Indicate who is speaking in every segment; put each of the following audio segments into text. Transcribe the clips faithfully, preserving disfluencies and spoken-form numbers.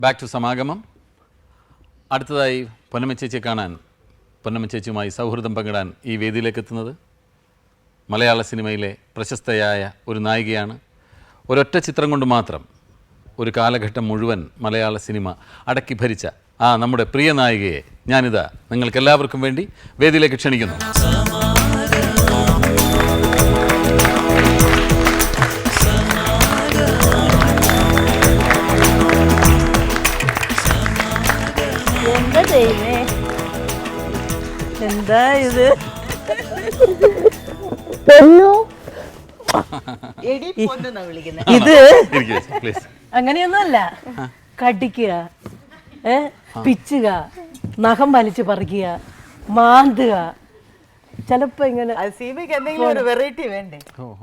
Speaker 1: Back to സമാഗമം. അടുത്തതായി പൊന്നമ്മ ചേച്ചിയെ കാണാൻ, പൊന്നമ്മ ചേച്ചിയുമായി സൗഹൃദം പങ്കിടാൻ ഈ വേദിയിലേക്ക് എത്തുന്നത് മലയാള സിനിമയിലെ പ്രശസ്തയായ ഒരു നായികയാണ്. ഒരൊറ്റ ചിത്രം കൊണ്ട് മാത്രം ഒരു കാലഘട്ടം മുഴുവൻ മലയാള സിനിമ അടക്കി ഭരിച്ച ആ നമ്മുടെ പ്രിയ നായികയെ ഞാനിതാ നിങ്ങൾക്കെല്ലാവർക്കും വേണ്ടി വേദിയിലേക്ക് ക്ഷണിക്കുന്നു.
Speaker 2: എന്താ ഇത്? ഇത് അങ്ങനെയൊന്നുമല്ല. കടിക്കുക, ഏ പിച്ചുക, നഖം വലിച്ചു പറിക്കുക, മാന്തുക. ചിലപ്പോ ഇങ്ങനെ
Speaker 3: വെറൈറ്റി വേണ്ടേ?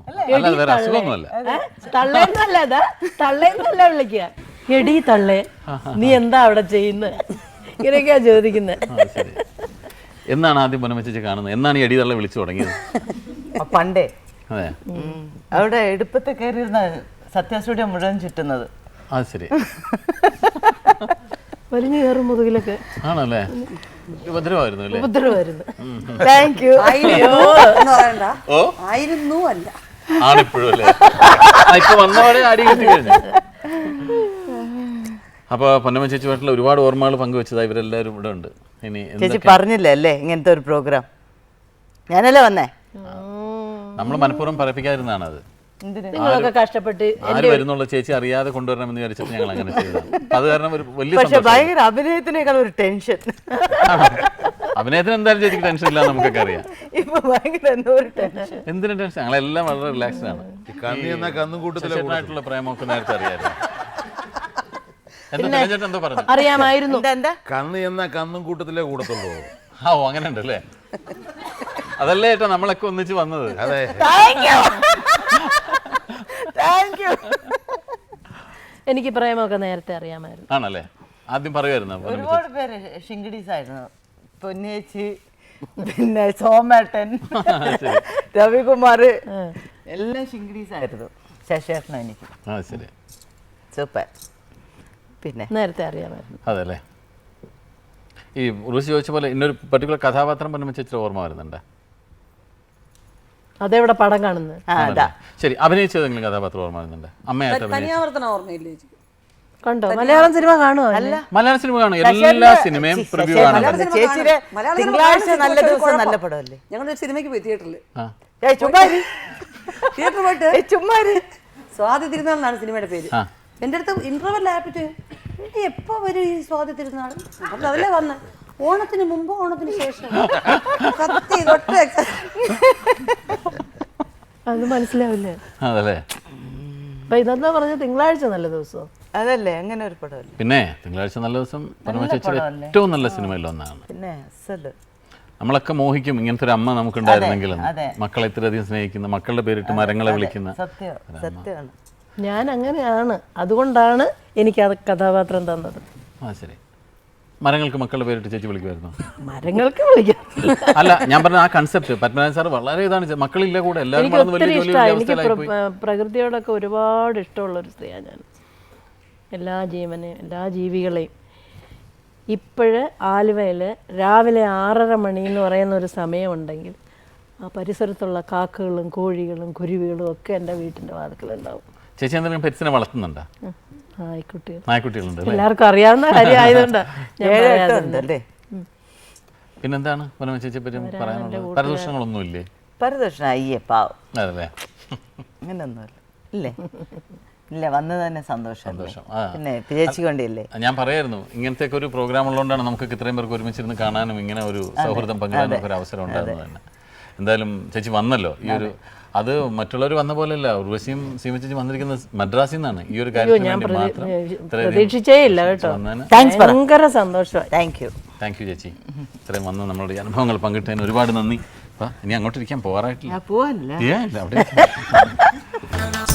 Speaker 2: തള്ളേന്നല്ല, അതാ തള്ളേന്നല്ല വിളിക്കുക. എടി തള്ളേ, നീ എന്താ അവിടെ ചെയ്യുന്നത്? ഇങ്ങനെയൊക്കെയാ ചോദിക്കുന്നത്.
Speaker 1: എന്നാണ് ആദ്യം പൊന്നമ്മ ചേച്ചി കാണുന്നത്? എന്നാണ് ഈ അടിതള്ള വിളിച്ചു തുടങ്ങിയത്?
Speaker 3: പണ്ടേ
Speaker 1: അതെ,
Speaker 3: അവിടെ എടുപ്പത്തെ കയറിയിരുന്ന സത്യാസ്റ്റുഡിയോ മുഴുവൻ ചുറ്റുന്നത്.
Speaker 1: അത് ശരി.
Speaker 2: വലിഞ്ഞു കയറും മുതുകിലൊക്കെ.
Speaker 1: ആണല്ലേ? ഉപദ്രവമായിരുന്നു അല്ലേ?
Speaker 2: ഉപദ്രവമായിരുന്നു.
Speaker 3: Thank you.
Speaker 1: ഓ
Speaker 4: ആയിരുന്നു അല്ല,
Speaker 1: ആണിപ്പോഴും അല്ലേ? ഇപ്പൊ വന്നപാടെ അടി കിട്ടി കഴിഞ്ഞു. അപ്പൊ പൊന്നമ്മ ചേച്ചിയുമായിട്ടുള്ള ഒരുപാട് ഓർമ്മകൾ പങ്കുവെച്ചതാ ഇവരെല്ലാവരും ഇവിടെ ഉണ്ട്. ഇനി
Speaker 3: ചേച്ചി പറഞ്ഞില്ലേ അല്ലേ ഇങ്ങനത്തെ ഒരു പ്രോഗ്രാം? ഞാനല്ലേ വന്നേ.
Speaker 1: നമ്മൾ മനഃപൂർവ്വം പറയിപ്പിക്കാതിരുന്നാണ് അത്.
Speaker 2: നിങ്ങളൊക്കെ കഷ്ടപ്പെട്ട്
Speaker 1: ആര് വരുന്നുള്ള ചേച്ചി അറിയാതെ കൊണ്ടുവരണമെന്ന് വിചാരിച്ചപ്പോൾ ഞങ്ങൾ അങ്ങനെ ചെയ്തതാണ്. അത് കാരണം ഒരു വലിയ
Speaker 3: പക്ഷെ ഭയങ്കര അഭിനയത്തിനേക്കാൾ ഒരു ടെൻഷൻ.
Speaker 1: അഭിനയത്തിന് എന്തായാലും ചേച്ചിക്ക് ടെൻഷൻ ഇല്ല, നമുക്കൊക്കെ അറിയാം.
Speaker 3: ഇപ്പൊ ഭയങ്കര എന്തോ ഒരു ടെൻഷൻ.
Speaker 1: എന്തിനും ടെൻഷൻ? ഞങ്ങളെല്ലാം വളരെ റിലാക്സ്ഡ് ആണ്. ആയിട്ടുള്ള പ്രേമമൊക്കെ നേരത്തെ അറിയാമായിരുന്നു. എന്താ എന്തോ പറഞ്ഞു?
Speaker 2: അറിയാമായിരുന്നു.
Speaker 3: എന്താ
Speaker 5: കണ്ണ് എന്നാ കന്നും കൂട്ടത്തിലേ കൂടത്തുള്ളൂ.
Speaker 1: ആ ഓ അങ്ങനെ ഉണ്ടല്ലേ? അതല്ലേ ഏട്ടാ നമ്മളൊക്കെ ഒന്നിച്ച് വന്നത്.
Speaker 5: അതെ,
Speaker 2: എനിക്ക് പ്രേമമൊക്കെ നേരത്തെ അറിയാമായിരുന്നു.
Speaker 1: ആണല്ലേ? ആദ്യം പറയുമായിരുന്നു.
Speaker 3: ഒരുപാട് പേര് ഷിങ്കിഡീസ് ആയിരുന്നു. പൊന്നേച്ചി, പിന്നെ സോമേട്ടൻ, രവികുമാർ, എല്ലാം ഷിങ്കിഡീസ് ആയിരുന്നു. ശശേഷനും എനിക്ക്.
Speaker 1: ആ ശരി,
Speaker 3: സൂപ്പർ. പിന്നെ
Speaker 2: നേരത്തെ അറിയാമായിരുന്നു.
Speaker 1: അതല്ലേ? ഈ ഉർവശി ചോദിച്ച പോലെ ഇന്നൊരു പർട്ടിക്കുലർ കഥാപാത്രം പൊന്നമ്മ ചേച്ചിയുടെ ഓർമ്മ വരുന്നുണ്ട്?
Speaker 2: അതെവിടെ പടം കാണുന്നത്?
Speaker 1: ശരി, അഭിനയിച്ചതെങ്കിലും കഥാപാത്രം ഓർമ്മ വരുന്നുണ്ട്? അമ്മയായിട്ട്
Speaker 4: തനിയാവർത്തനം ഓർമ്മയില്ലേ?
Speaker 2: കണ്ടോ? മലയാളം സിനിമ കാണുമോ?
Speaker 3: അല്ല,
Speaker 1: മലയാള സിനിമ കാണും, എല്ലാ സിനിമയും പ്രിവ്യൂ കാണും.
Speaker 3: ചേച്ചിയുടെ തിങ്കളാഴ്ച നല്ല ദിവസം നല്ല പടമല്ലേ?
Speaker 4: ഞങ്ങളൊരു സിനിമയ്ക്ക് പോയി തിയേറ്ററിൽ. തിയേറ്ററിൽ പോയിട്ട്
Speaker 3: ചുമ്മാര്
Speaker 4: സ്വാതി തിരുനാൾ എന്നാണ് സിനിമയുടെ പേര്. എൻ്റെ അടുത്ത് ഇന്റർവെൽ ആയിട്ട് എപ്പോ വരും ഈ സ്വാതി തിരുനാൾ? അപ്പം അതല്ലേ വന്ന് ഓണത്തിന് മുമ്പ് ഓണത്തിന് ശേഷം.
Speaker 2: അത് മനസ്സിലാവില്ലേ?
Speaker 1: അതല്ലേ?
Speaker 2: അപ്പൊ ഇതെന്താ പറഞ്ഞ തിങ്കളാഴ്ച നല്ല ദിവസം?
Speaker 3: അതല്ലേ, അങ്ങനെ ഒരു പടമല്ലേ?
Speaker 1: പിന്നെ തിങ്കളാഴ്ച നല്ല ദിവസം പൊന്നമ്മ ചേച്ചിയുടെ ഏറ്റവും നല്ല സിനിമയിൽ ഒന്നാണ്.
Speaker 3: പിന്നെ അസല്
Speaker 1: നമ്മളൊക്കെ മോഹിക്കും ഇങ്ങനത്തെ ഒരു അമ്മ നമുക്കുണ്ടായിരുന്നെങ്കിലും. മക്കളെ ഇത്രയധികം സ്നേഹിക്കുന്ന, മക്കളുടെ പേരിട്ട് മരങ്ങളെ വിളിക്കുന്ന.
Speaker 3: സത്യം, സത്യമാണ്.
Speaker 2: ഞാൻ അങ്ങനെയാണ്, അതുകൊണ്ടാണ് എനിക്ക് ആ കഥാപാത്രം തന്നത്.
Speaker 1: ആ ശരി. മരങ്ങൾക്ക് മക്കളുടെ പേരിട്ട് ചേച്ചി വിളിക്കുമായിരുന്നു?
Speaker 2: മരങ്ങൾക്ക് വിളിക്കാം
Speaker 1: അല്ല, ഞാൻ പറഞ്ഞ ആ കൺസെപ്റ്റ് പത്മനാഭൻ സാർ വളരെ ഇതാണ്. മക്കളില്ല കൂടെ, എല്ലാവരും
Speaker 2: എനിക്ക് പ്രകൃതിയോടൊക്കെ ഒരുപാട് ഇഷ്ടമുള്ള ഒരു സ്ത്രീയാണ് ഞാൻ. എല്ലാ ജീവനെയും എല്ലാ ജീവികളെയും. ഇപ്പോഴ് ആലുവയിൽ രാവിലെ ആറര മണി എന്ന് പറയുന്ന ഒരു സമയമുണ്ടെങ്കിൽ ആ പരിസരത്തുള്ള കാക്കകളും കോഴികളും കുരുവികളും ഒക്കെ എൻ്റെ വീട്ടിൻ്റെ വാതിക്കലുണ്ടാവും.
Speaker 1: ചേച്ചി എന്തെങ്കിലും പെറ്റ്സിനെ വളർത്തുന്നുണ്ടോ?
Speaker 2: നായ്ക്കുട്ടികൾ.
Speaker 1: നായ്ക്കുട്ടികളുണ്ട്.
Speaker 2: എല്ലാവർക്കും അറിയാവുന്ന കാര്യം ആയതുകൊണ്ടാണ്.
Speaker 1: പിന്നെന്താണ് പൊന്നമ്മ ചേച്ചിയെ പറ്റി പറയാനുള്ളത്? പരദൂഷണങ്ങളൊന്നും ഇല്ലേ?
Speaker 3: പരദൂഷണം അയ്യേ പാവം.
Speaker 1: അതല്ലേ?
Speaker 3: അങ്ങനെയൊന്നുമില്ല. ഇല്ലേ? ഇല്ല, വന്നത് തന്നെ സന്തോഷം.
Speaker 1: സന്തോഷം.
Speaker 3: പിന്നെ ചേച്ചി കൊണ്ടില്ലേ?
Speaker 1: ഞാൻ പറയായിരുന്നു, ഇങ്ങനത്തെ ഒരു പ്രോഗ്രാം ഉള്ളതുകൊണ്ടാണ് നമുക്ക് ഇത്രയും പേർക്ക് ഒരുമിച്ചിരുന്ന് കാണാനും ഇങ്ങനെ ഒരു സൗഹൃദം പങ്കിടാനും ഒരു അവസരം ഉണ്ടാകുന്നത് തന്നെ. എന്തായാലും ചേച്ചി വന്നല്ലോ. ഈ ഒരു അത് മറ്റുള്ളവർ വന്ന പോലെയല്ല. ഉർവശിയും സീമ ചേച്ചി വന്നിരിക്കുന്നത് മദ്രാസിൽ നിന്നാണ്. ഈ ഒരു കാര്യത്തിന് മാത്രം
Speaker 2: പ്രതീക്ഷിച്ചേ ഇല്ല കേട്ടോ. ഭയങ്കര സന്തോഷം.
Speaker 3: Thank you.
Speaker 1: താങ്ക് യു ചേച്ചി. ഇത്രയും വന്ന് നമ്മളുടെ അനുഭവങ്ങൾ പങ്കിട്ടതിന് ഒരുപാട് നന്ദി. ഇനി അങ്ങോട്ടിരിക്കാൻ പോകാറായിട്ടില്ല.
Speaker 3: പോവാനില്ല.
Speaker 1: അവിടെ